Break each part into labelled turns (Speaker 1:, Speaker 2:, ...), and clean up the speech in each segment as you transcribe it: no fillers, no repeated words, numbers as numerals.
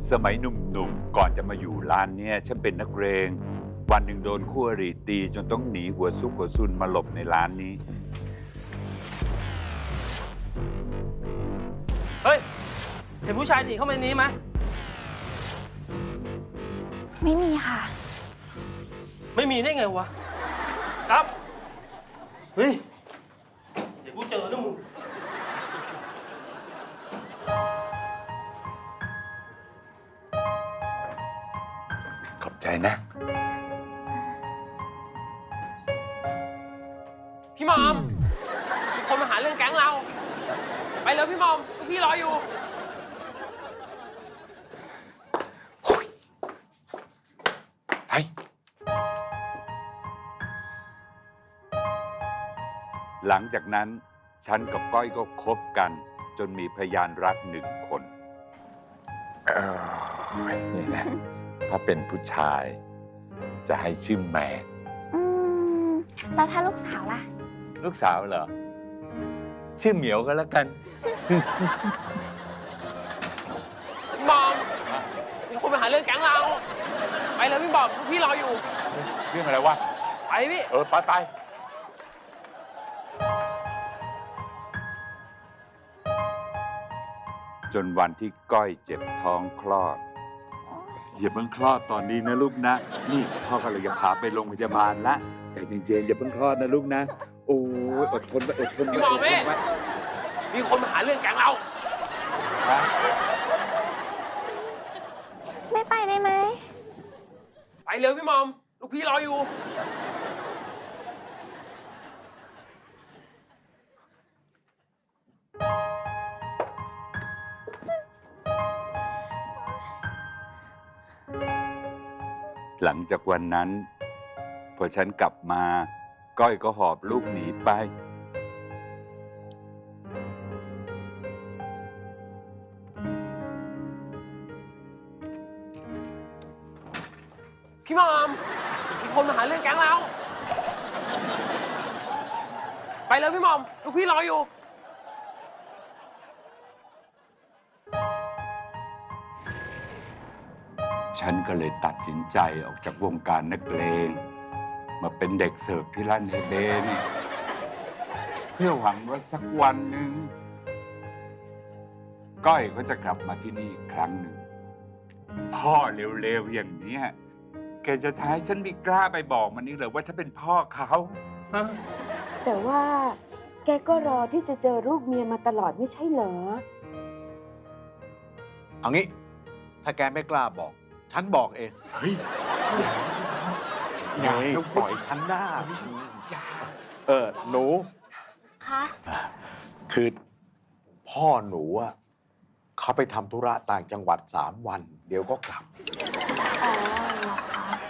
Speaker 1: สมัยหนุ่มๆก่อนจะมาอยู่ร้านเนี่ยฉันเป็นนักเรง วันหนึ่งโดนคู่อริตีจนต้องหนีหัวซุกหัวซุนมาหลบในร้านนี้
Speaker 2: เฮ้ย เห็นผู้ชายหนีเข้ามาในนี้ไหม
Speaker 3: ไม่มีค่ะ
Speaker 2: ไม่มีได้ไงวะ ครับ เฮ้ย เดี๋ยวกูเจอนะมึง
Speaker 1: ขอบใจนะ
Speaker 2: พี่หมอมมีคนมาหาเรื่องแก๊งเรา ไปเลยพี่หมอมพี่รออยู่
Speaker 1: ไป หลังจากนั้นฉันกับก้อยก็คบกัน จนมีพยานรัก1 คนนี่แหละถ้าเป็นผู้ชาย จะให้ชื่อแมน
Speaker 3: แล้วถ้าลูกสาวล่ะ
Speaker 1: ลูกสาวเหรอ ชื่อเหมียวก็แล้วกัน
Speaker 2: พี่หมอมมีคนมาหาเรื่องแก๊งเรา ไปเลยพี่หมอมพี่รออยู่
Speaker 1: เรื่องอะไรวะ
Speaker 2: ไปพี่
Speaker 1: ไปจนวันที่ก้อยเจ็บท้องคลอดอย่าเพิ่งคลอดตอนนี้นะลูกนะ นี่พ่อกำลังจะพาไปโรงพยาบาลละใจเย็นๆอย่าเพิ่งคลอดนะลูกนะ โอ้ยอดทนไว้อดทนไว้
Speaker 2: พี่หมอแม่ มีคนมาหาเรื่องแก๊งเรา
Speaker 1: นะ
Speaker 3: ไม่ไปได้ไหม
Speaker 2: ไปเลยพี่หมอมลูกพี่รออยู่
Speaker 1: หลังจากวันนั้นพอฉันกลับมาก้อยก็หอบลูกหนีไป
Speaker 2: พี่หมอมมีคนมาหาเรื่องแก๊งเรา ไปเลยพี่หมอมลูกพี่รออยู่
Speaker 1: ฉันก็เลยตัดสินใจออกจากวงการนักเลงมาเป็นเด็กเสิร์ฟที่ร้านเฮเบนเพื่อหวังว่าสักวันหนึ่งก้อยก็จะกลับมาที่นี่อีกครั้งหนึ่งพ่อเร็วๆอย่างเนี้ยแกจะท้ายฉันมีกล้าไปบอกมันนี่เหรอว่าฉันเป็นพ่อเขาฮะ
Speaker 4: แต่ว่าแกก็รอที่จะเจอลูกเมียมาตลอดไม่ใช่เหรอ
Speaker 5: เอางี้ ถ้าแกไม่กล้าบอก ฉันบอกเอง
Speaker 1: เฮ้ย
Speaker 5: อย่าปล่อยฉันได้หนู
Speaker 3: คะ
Speaker 5: คือพ่อหนูอะเขาไปทำธุระต่างจังหวัด3 วัน เดี๋ยวก็กลับ
Speaker 3: อ๋อเหรอคะ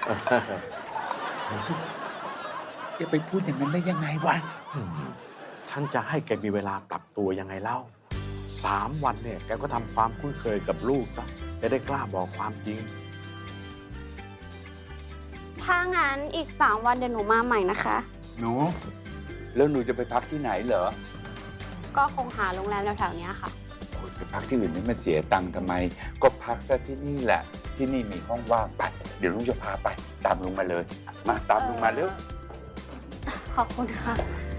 Speaker 1: จะไปพูดอย่างนั้นได้ยังไงวะ
Speaker 5: ฉันจะให้แกมีเวลาปรับตัวยังไงเล่า3 วันเนี่ย แกก็ทำความคุ้นเคยกับลูกซะจะได้กล้าบอกความจริง
Speaker 3: ถ้างั้นอีก 3 วันเดี๋ยวหนูมาใหม่นะคะ
Speaker 1: หนู แล้วหนูจะไปพักที่ไหนเหรอ
Speaker 3: ก็คงหาโรงแรมแถวๆเนี้ยค่ะ
Speaker 1: คนไปพักที่อื่นนี่มาเสียตังค์ทำไม ก็พักซะที่นี่แหละ ที่นี่มีห้องว่างไป เดี๋ยวลุงจะพาไป ตามลุงมาเลย มาตามลุงมาเร็ว
Speaker 3: ขอบคุณค่ะ